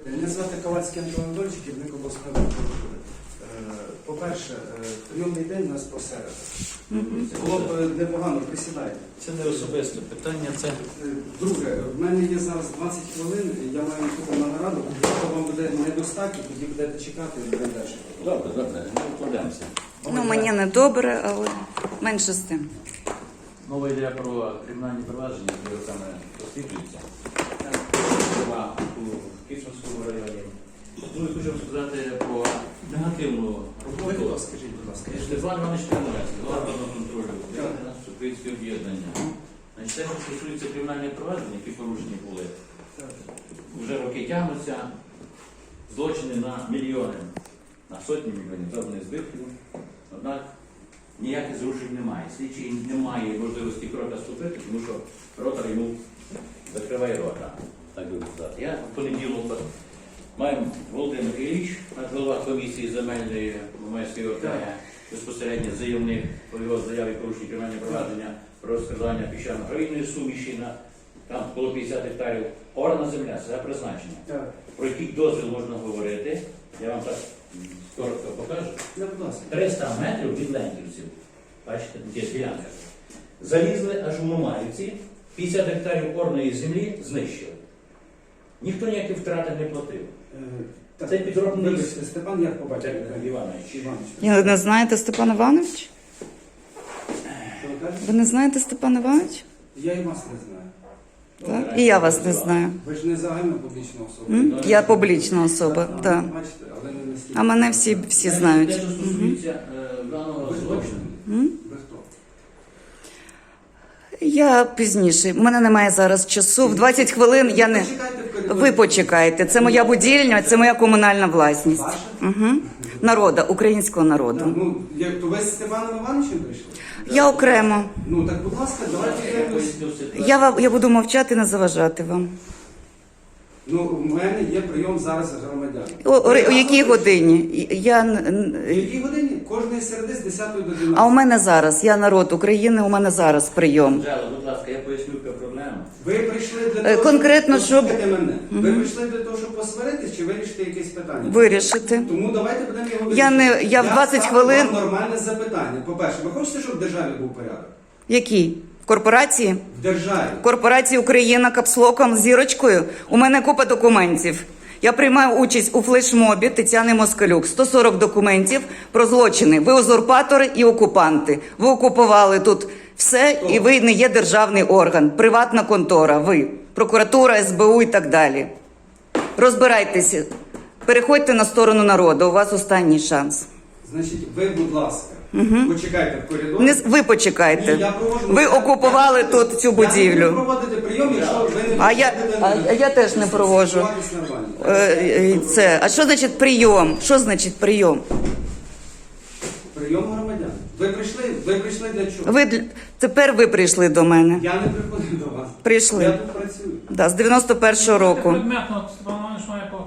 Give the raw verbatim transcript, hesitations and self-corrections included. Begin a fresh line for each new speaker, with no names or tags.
Мене звати Ковальський Антон Анатолійович, керівник обласної прокуратури. По-перше, прийомний день у нас посеред. Було б непогано, присідайте.
Це не особисте питання, це...
Друге, в мене є зараз двадцять хвилин, я маю йти на нараду. Якщо вам буде недостатньо, тоді будете чекати і будемо далі.
Добре, добре, не вкладемося.
Ну, мені не добре, але менше з тим.
Мова йде про кримінальні провадження, які саме розслідуються. Зокрема, у Київському районі. Ну і хочу сказати про негативну роботу.
Скажіть, будь ласка.
Степан Іванович Кремлець, голова контролю Українське об'єднання. Значить, те, що стосується кримінальних проваджень, які порушені були, вже роки тягнуться, злочини на мільйони, на сотні мільйонів завданих збитків. Однак ніяких зрушень немає. Слідчий не має можливості крока ступити, тому що ротор йому закриває рота, так би сказати. Я в понеділок маю Володимир Ілліч, голова комісії земельної Мамайської ОТГ, безпосередньо заявник по його заяві порушення кримінальне провадження про розкрадання піщано-гравійної суміші на там коло п'ятдесят гектарів. Орна земля, це призначення.
Так.
Про який дозвіл можна говорити, я вам так коротко покажу.
Я, будь ласка.
триста метрів від Ленківців, бачите, тут є ділянка. Залізли аж у Мамаївці, п'ятдесят гектарів орної землі знищили. Ніхто ніякі втрати не платив.
Е,
Це підробний...
Вибачте, Степан, як побачив?
Іванович.
Іванович.
Ви не знаєте Степан Іванович?
Що ви кажете?
Ви не знаєте Степан Іванович?
Я і вас не знаю.
Так? І я вас не знаю.
Ви ж не загальна публічна особа.
М? Я публічна особа,
А,
так.
бачите, але не настільки.
А мене всі, всі знають.
Те, що стосується е, даного
Ви хто?
злочину,
М?
Ви хто?
Я пізніше. У мене немає зараз часу. В двадцять хвилин я не...
Почекайте в коридорі.
Ви почекайте. Це моя будівля, це моя комунальна власність.
Ваша?
Угу. Народа, українського народу.
Ну, як то ви з Степаном Івановичем прийшли?
Я окремо.
Ну так, будь ласка, давайте
я
якось.
поясню ситуацію.
Я, вам- я буду мовчати, не заважати вам.
Ну, у мене є прийом зараз громадян.
У, у, у якій годині? Я... н-
В
н-
якій годині? Кожної середи з десятої до дванадцятої.
А у мене зараз, я народ України, у мене зараз прийом.
Анжела, будь ласка, я поясню, яка проблема.
Ви прийшли для
Е,
того,
конкретно,
щоб...
щоб-
Послухайте мене. Ви прийшли для того, щоб посваритись, чи вирішити якесь питання?
Вирішити.
Тому давайте будемо його
Я
вирішити.
не- я в двадцять
ставлю
хвилин-
вам нормальне запитання. По-перше, ви хочете, щоб в державі був порядок?
Який? В корпорації?
В державі.
В корпорації Україна капслоком з зірочкою. У мене купа документів. Я приймаю участь у флешмобі Тетяни Москалюк. сто сорок документів про злочини. Ви узурпатори і окупанти. Ви окупували тут все, і ви не є державний орган, приватна контора. Ви, прокуратура, ес бе у і так далі. Розбирайтеся. Переходьте на сторону народу. У вас останній шанс.
Значить, ви, будь ласка, почекайте в коридорі.
Не, з- ви почекайте.
Ні, я проводжу-
Ви
я-
окупували
я-
тут цю
Я не
будівлю.
буду проводити прийом, якщо ви не
А я-
будете
а- а я теж не проводжу.
спілкуватись нормально.
Е, е, Це. А що значить прийом? Що значить прийом?
Прийом громадян. Ви прийшли, ви прийшли для чого?
Ви для- тепер ви прийшли до мене.
Я не приходив до вас.
Прийшли.
Я тут працюю.
Да, з дев'яносто першого року.
Предметно Степан Іванович має по